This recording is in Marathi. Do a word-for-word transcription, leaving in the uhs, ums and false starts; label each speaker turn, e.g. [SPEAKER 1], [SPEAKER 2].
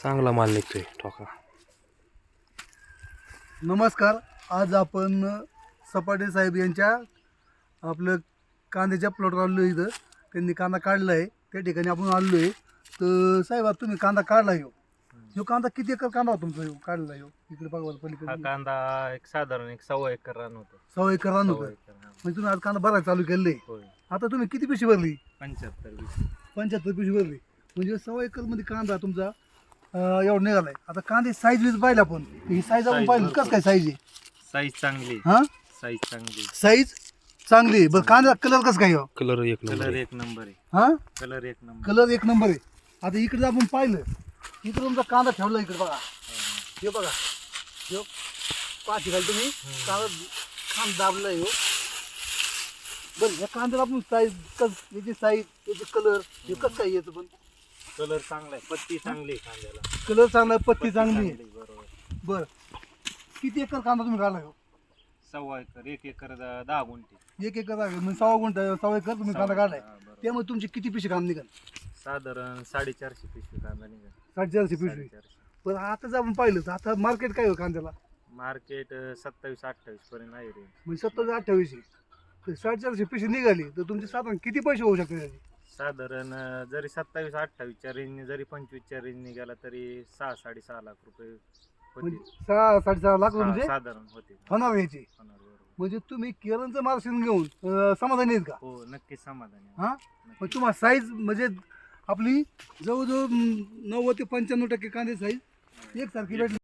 [SPEAKER 1] चांगला माल निघतोय ठोका.
[SPEAKER 2] नमस्कार. आज आपण सपाटे साहेब यांच्या आपलं कांद्याच्या प्लॉटवर आलो आहे. इथं त्यांनी कांदा काढला आहे, त्या ठिकाणी आपण आलो आहे. तर साहेब आता तुम्ही कांदा काढला आहे, ह्यो कांदा किती एकर कांदा होता तुमचा ह्यो काढला ह्यो? इकडे बघा
[SPEAKER 3] हा
[SPEAKER 2] पलीकडे
[SPEAKER 3] कांदा एक साधारण एक सव्वा एकर रान होतं.
[SPEAKER 2] सव्वा एकर रान होतं.
[SPEAKER 3] सव्वा एकर, हा.
[SPEAKER 2] म्हणजे तुम्ही आज कांदा भरायला चालू केले.
[SPEAKER 3] होय.
[SPEAKER 2] आता तुम्ही किती पिशवी भरली?
[SPEAKER 3] पंच्याहत्तर वीस
[SPEAKER 2] पंच्याहत्तर पिशवी भरली. म्हणजे सव्वा एकरमध्ये कांदा तुमचा अं, एवढा निघालाय. आता कांदे साईज वीज पाहिला आपण, ही साईज आपण
[SPEAKER 3] Size
[SPEAKER 2] पाहिली
[SPEAKER 3] भरपूर.
[SPEAKER 2] कसं काय साईज आहे?
[SPEAKER 3] साईज चांगली
[SPEAKER 2] हा
[SPEAKER 3] साईज चांगली
[SPEAKER 2] साईज चांगली आहे. बरं कांदा कलर कसं काय हो?
[SPEAKER 1] कलर एक नंबर
[SPEAKER 3] कलर
[SPEAKER 1] आहे.
[SPEAKER 3] एक नंबर आहे.
[SPEAKER 2] हा
[SPEAKER 3] कलर एक नंबर
[SPEAKER 2] कलर एक नंबर आहे. आता इकडे जर आपण पाहिलं, इकडे तुमचा कांदा ठेवला इकडे बघा, हे बघा, हे पाठी घाल तुम्ही कांदा खांद दाबला हो. बरं ह्या कांद्याला आपण साईज कस याची साईज याची कलर हे कसं काय याचं पण
[SPEAKER 3] कलर चांगला आहे. पत्ती चांगली आहे कांद्याला.
[SPEAKER 2] कलर चांगला आहे, पत्ती चांगली आहे.
[SPEAKER 3] बरोबर.
[SPEAKER 2] बरं किती एकर कांदा तुम्ही काढला हो?
[SPEAKER 3] सव्वा एकर एक एकर द- दहा गुंठे.
[SPEAKER 2] एक एकर आहे म्हणजे सव्वा गुंठ सव्वा एकर तुम्ही कांदा काढलाय.
[SPEAKER 3] हा, बरोबर.
[SPEAKER 2] त्यामुळे तुमची किती पिशवी कांदा निघाल?
[SPEAKER 3] साधारण साडेचारशे पिशवी कांदा निघाल.
[SPEAKER 2] साडेचारशे पिशवी.
[SPEAKER 3] साडेचारशे.
[SPEAKER 2] पण आता जर आपण पाहिलं तर आता मार्केट काय हो कांद्याला?
[SPEAKER 3] मार्केट सत्तावीस अठ्ठावीस पर्यंत आहे रेंज.
[SPEAKER 2] म्हणजे सत्तर अठ्ठावीस तर साडेचारशे पिशवी निघाली तर तुमचे साधारण किती पैसे होऊ शकतात त्याचे?
[SPEAKER 3] साधारण अं, जरी सत्तावीस अठ्ठावीसच्या रेंजने जरी पंचवीसच्या रेंजने गेला तरी सहा साडेसहा लाख रुपये होते.
[SPEAKER 2] म्हणजे सहा साडेसहा लाख
[SPEAKER 3] हा,
[SPEAKER 2] म्हणजे
[SPEAKER 3] साधारण होते.
[SPEAKER 2] होणार याची.
[SPEAKER 3] होणार, बरोबर.
[SPEAKER 2] म्हणजे तुम्ही केरळचं मार्गदर्शन घेऊन अं, समाधानी आहेत का?
[SPEAKER 3] हो नक्कीच समाधानी आहे.
[SPEAKER 2] हा
[SPEAKER 3] नक्कीच.
[SPEAKER 2] मग तुम्हाला साईज म्हणजे आपली जवळजवळ अं, नव्वद ते पंच्याण्णव टक्के कांदे साईज एकसारखी भेटली.